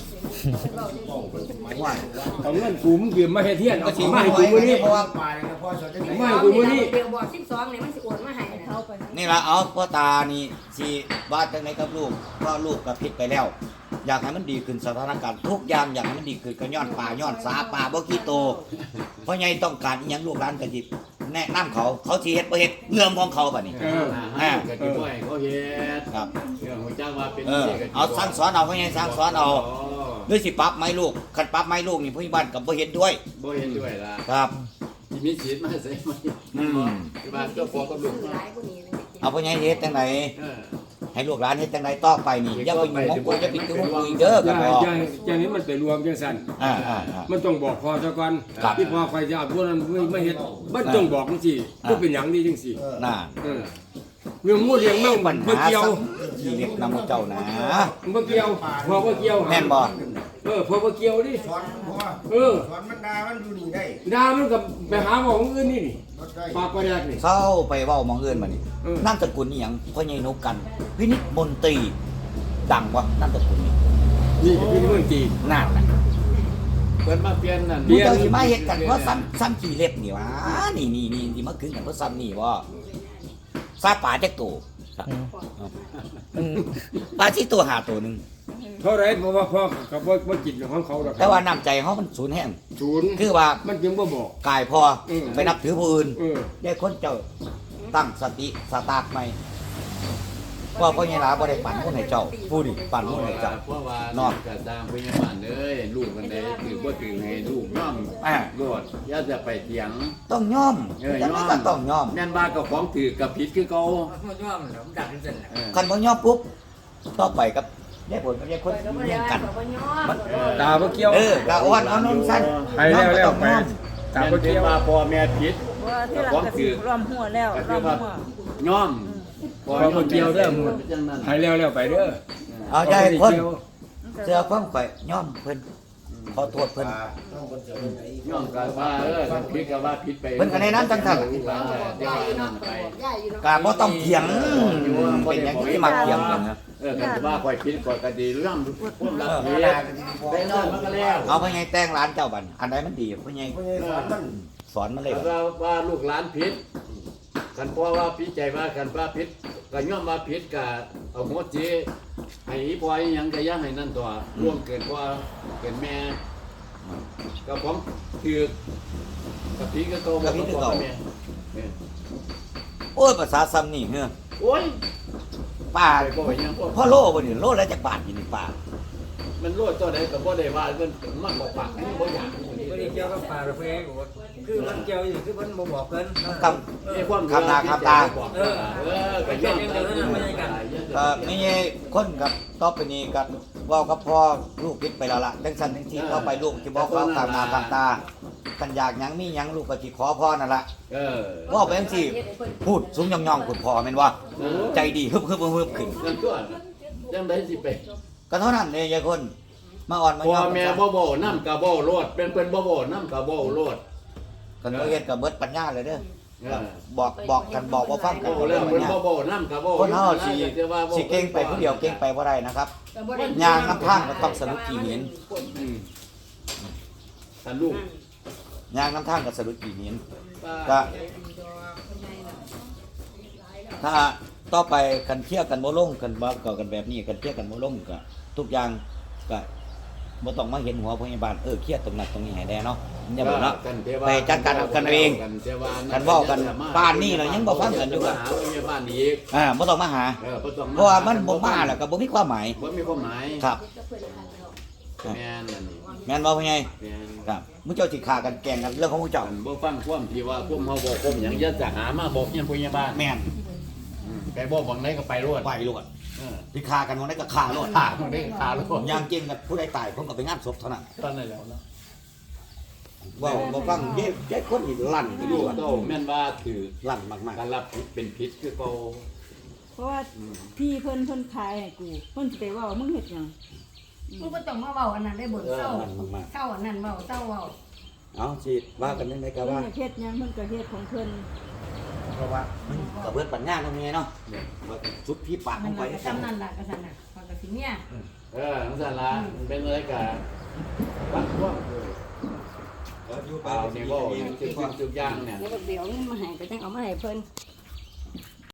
S2: ว่า
S1: เอาเงินกูมึงยืมมาเฮ็ดเฮียน
S2: ก็
S1: เอา
S2: สิ
S1: สิ
S2: มา
S1: มา
S2: ให้
S1: ให้
S2: กู
S1: กู
S2: มื้
S1: มื้
S2: อ
S1: อ
S2: นี้
S1: นี้
S2: เพราะว่า
S8: ปลายแล้วพ่อสอนจะ
S1: ไม่ให้กูมื้อนี้
S4: เดี๋ยวบอกสิบสองนี่มันสิโอนมาให้นะ
S6: เขาไป
S2: นี่ล่ะเอาพ่อตานี่สิว่าจังไดกับลูกเพราะลูกก็ผิดไปแล้ว อยากให้มันดีขึ้นสถานการณ์ทุกอย่างอยากให้มันดีขึ้นก็ย้อนป่าย้อนสาป่าบ่ขี้โตเพราะไงต้องการอีหยังลูกหลานก็สิแนะนำเขาเขาสิเฮ็ดบ่เฮ็ดเรื่องของเขาบัดนี้
S7: เอออ่าก็สิบ่ให้เขาเฮ็ด
S2: ครับ
S7: เรื่องของจ้างว่าเป็น
S2: เออ
S7: นี่ก็สิ
S2: เอาสั่งสอนเอาเพราะไงสั่งสอนเอา
S7: อ๋อ
S2: ด้วยสิปรับไหมลูกคันปรับไหมลูกนี่ผู้ใหญ่บ้านก็บ่เฮ็ดด้วย
S7: บ่เห็นด้วยล่ะ
S2: ครับ
S7: สิมีสิทธิ์มาใส่ไหม
S2: อืม
S7: ที่บ้านเจ้าพ่อกับลูก
S4: ซื้อหลายกว่านี้เลย
S2: เอาผู้ใหญ่เฮ็ดจังได
S7: เออ
S2: ให้ลูกหลานเฮ็ดจังไดต่อไปนี่อย่าไปยุ่งของกูอย่าไปยุ่งของกูอีกเด้อ
S1: อ
S2: ก็
S1: ย่า
S2: บอก
S1: อย่าอย่านี้มันไปรวมจังซั่น
S2: อ่าอ่าอ่า
S1: มันต้องบอกพอซะก่อน
S2: ครับ
S1: ที่พอใครจะเอาพวกนั้นไม่ไม่เฮ็ดมันต้องบอกจังซี่
S2: อ่า
S1: บ่เป็นหยังดีจังซี่
S2: น่า
S1: เออเรื่องงูเรื่องแมว
S2: ปั
S1: มัน
S2: ญ
S1: บ่
S2: หา
S1: เกี่ยว
S2: สังทีเล็กนำเจ้านะ
S1: มันบ่เกี่ยวพอบ่เกี่ยว
S2: แม่นบ่
S1: เออพอบ่เกี่ยวดิ
S8: สอนพ่อ
S1: เออ
S8: สอนมันดามันอยู่นี่ได้
S1: ดามันก็ไปหาหมอของอื่นนี่นี่
S8: รถได้
S1: ปากกระแดกนี่
S2: เศร้าไปเว้าหมองอื่นมานี่
S1: เออ
S2: นามสกุลนี่หยังพ่อใหญ่นกกันพินิจมนตรีดังบ่นามสกุลนี่
S1: นี่คือเมืองจีน
S2: นั่นน่ะ
S7: เพิ่นมาเปลี่ยนนั่น
S1: เปลี่ยน
S2: เจ้าสิมาเฮ็ดกันเพราะซ้ำซ้ำขี้เล็บนี่หวะนี่นี่นี่ที่มาขึ้นกันเพราะซ้ำนี่บ่ซาป่าจักตัว
S9: อืม
S2: ปลาที่ตัวหาตัวหนึง
S1: เท่าไรเพราะว่าพ่อกับว่าว่ากินของเขาดอก
S2: แต่ว่าน้ำใจเขามันสูญแห้ง
S1: ศูนย์
S2: คือว่า
S1: มันจึงบ่บอก
S2: กายพอ
S1: อืม
S2: ไปนับถือผู้อื่น
S1: เออ
S2: ได้คนเจ้าตั้งสติสตาร์ทใหม่ว่าพ่อใหญ่หลาบ่ได้ปั่นคนให้เจ้าผู้นี่ปั่นคนให้เจ้า
S7: เพราะว่า
S2: เนาะ
S7: กระตามพยาบาลเอ้ยลูกกันได้ถือบ่ถือให้ลูกย่อม
S2: อ่า
S7: โลดอย่าจะไปเถียง
S2: ต้องยอม
S7: เออ
S2: ยัง
S7: ย
S2: ไง
S7: อม
S2: ก็ต้องยอม
S7: แม่นว่ากับของถือกับผิดคือเก่า
S5: มันย่อมเหรอมันดักที่สุดแหละ
S7: เออ
S2: คันบ่ยอมปุ๊บต่อไปกับยายผลกับยายคน
S4: ข่อยก็บ่
S2: เลี้
S4: ได้
S2: ยงกัน
S4: ข่อยบ่ยอม
S2: มัน
S1: ตาบ่เกี่ยว
S2: เออกะอ้อนเอานมสั้น
S1: ไปแล้วแล้วไป
S2: ยอม
S1: ตา
S7: แม่น
S1: บ่
S7: เป็
S1: เกี่
S7: น
S1: ยว
S7: ว่าพ่อแม่ผิด
S6: ว่าที่หลังก็สิรวมหัวแล้ว
S7: ก็
S6: ร
S7: คื
S6: ว
S7: อ
S6: ม
S7: ว่า
S6: หัว
S7: ย่อม
S1: พอบ่เกี่ยวเด้อหมด
S7: เป็นจังนั้น
S1: ให้แล้วแล้วไปเด้อ
S2: เอาใจคน
S6: ค
S2: เสื้อความข่อยย่อมเพิ่นขอโทษเพิ่น
S8: ต้องคนเจอไหน
S7: ย่อมกันว่าเออคันผิดก็ว่าผิดไป
S2: เพิ่นก็แนะนำจังซั่น
S7: ลูกหลานก็เดี๋ยว
S4: ย่าอยู่
S7: นั่
S4: เนาะ
S7: นไป
S4: ย่าอยู่เนาะ
S2: ก็บ่ต้องเถียงเป็นหยังที่มาเถียงกันนะ
S7: เออกันว่าข่อยผิดข่อยก็ดีเรื่องพวกรับผิดได้นอนมันก็แล้ว
S2: เอาพ่อใหญ่แต่งร้านเจ้าบัดอันใดมันดีพ่อใหญ่
S8: ไม่ใช่สอนมัน
S2: สอนมาเลย
S7: แต่
S2: บัด
S7: ว่าว่าลูกหลานผิดกันพ่อว่าผิดใจว่ากันว่าผิดก็ย่อมว่าผิดก็เอาหัวจีให้อีพ่ออีหยังก็อย่าให้นั่นตัวร่วงเกินพ่อเกินแม่ก็ผมถือกับพี่ก็โตกับพี่ก็โตแม่
S2: โอ้ยภาษาซ้ำนี่เฮ้อ
S7: โอ้ย
S2: ป้า
S7: ไปบ่อยยังพ่อ
S2: พ่อโลบ่นี่โลละจักบาทอยู่นี่ป้า
S7: มันโลดตัวใดก็บ่ได้ว่ามันมันบ่ปากมันบ่อยาก
S5: บ่ได้เกี่ยวกับปลาหรือเปล่าคือมันเกี่ยวอยู่คือมันบ่บอกเพิ่น
S2: คำ
S7: มีความ
S2: คำตาคำตา
S7: เออเออก็ย่อม
S2: ก็ไม่ใช่คนกับต่อไปนี้กับเว้ากับพ่อลูกคิดไปแล้วล่ะจังซั่นจังซี่ต่อไปลูกสิบอกเขาตามหน้าตามตากันอยากหยังมีหยังลูกก็สิขอพ่อนั่นล่ะ
S7: เออ
S2: เว้าไปจังซี่พูดสูงย่องๆคุณพ่อแม่นว่าใจดีฮึบๆฮึบๆขึ้น
S7: นั่นตัวจังได๋สิไป
S2: ก็เท่านั้นเลยยายคนมาอ่อนมา
S7: พ่
S2: ย่
S7: อ
S2: อม
S7: แม่บ่บ่นำก็บ่โลดเป็นเพิ่นบ่บ่นำก็บ่โลด
S2: กันบ่เฮ็ดก็เบิดปัญญาเลยเด้อ
S7: เออ
S2: บอกบอกกันบอกว่าฟังกัน
S7: บ่แล้วเพิ่นบ่บ่นำก็บ่
S2: คนเฮาสิสิเก่งไปผู้เดียวเก่งไปบ่ได้นะครับ
S4: ก็บ่ได้
S2: ยางน้ำทางก็ต้องสรุปกี่เหรียญ
S7: อืมท่านลูก
S2: ยางน้ำทางก็สรุปกี่เหรียญก็ถ้าต่อไปกันเที่ยวกันบ่ลงกันบ่ก็กันแบบนี้กันเที่ยวกันบ่ลงก็ทุกอย่างก็บ่ต้องมาเห็นหัวพยาบาลเออเครียดตรงนั้นตรงนี้ให้แน่เนาะอย่าบ่เนาะไปจัดการเอากันเองกันเว้ากันบ้านนี้เรายังบ่ฟังกันอยู่
S7: ก็
S2: ก็
S7: หาว่ามีบ้านอีก
S2: อ่าบ่ต้องมาหา
S7: เออบ่ต้อง
S2: เพราะว่ามันบ่มาแล้วก็บ่มีความหมาย
S7: บ่มีความหมาย
S2: ครับ
S7: แม่นอันนี้
S2: แม่นบ่พ่อใหญ่
S7: แม่น
S2: ครับมุเจ้าสิฆ่ากันแกล้งกันเรื่องของมุเจ้า
S7: อันบ่ฟังความที่ว่าความเฮาบอกความหยังอย่าจะหามาบอกยังพยาบาล
S2: แม่น
S7: อืมไปบอกบังไหนก็ไปรวด
S2: ไปโลด
S7: เออ
S2: สิฆ่ากันวันไหนก็ฆ่าโลด
S7: ขาบังไหนก็ขาโลด
S2: อย่างจริงกับผู้ใดตายผมก็ไปงานศพเท่านั้น
S7: ตอนนั้นแล้วเนาะ
S2: เว้าบ่ฟังเย้เย้คนนี่ลั่นอยู่
S7: ลูก
S2: ว่า
S7: โตแม่นว่าถือ
S2: ลั่นมาก
S7: การรับผิดเป็นผิดคือเก่า
S6: เพราะว่าพี่เพิ่นเพิ่นขายให้กูเพิ่นสิไปเว่ามึงเฮ็ดหยัง
S4: มึงก็ต้องมาเว้าอันนั้นได้บ่
S2: ๆเออ
S4: เศร้า
S2: ลั่นมาก
S4: เศร้าอันนั้นเว้าเศร้าเว้า
S2: ๆเอาสิว่ากันจังไดก็
S6: เพิ่น
S2: ว่า
S6: อยากเฮ็ดหยังเพิ่นก็เฮ็ดของเพิ่น
S2: เพราะว่ามันก็เบิดปัญญาตรงนี้เนาะว่าสุดพี่ปากข
S4: มั
S2: อน งข่อย
S4: ก็
S2: จัง
S4: จำนั่นล่ะก็ซั่นน่ะพอก็สิเมีย
S7: เออจังซั่นล่ะมันเป็นอะไรกันฟังความเออ
S2: เอออยู่ไป
S7: เอานี่บ่ทุกสิ่งทุกอย่างเนี่ย
S4: แล้วก็เดี๋ยวเงินมาให้ก็จังเอามาให้เพิ่น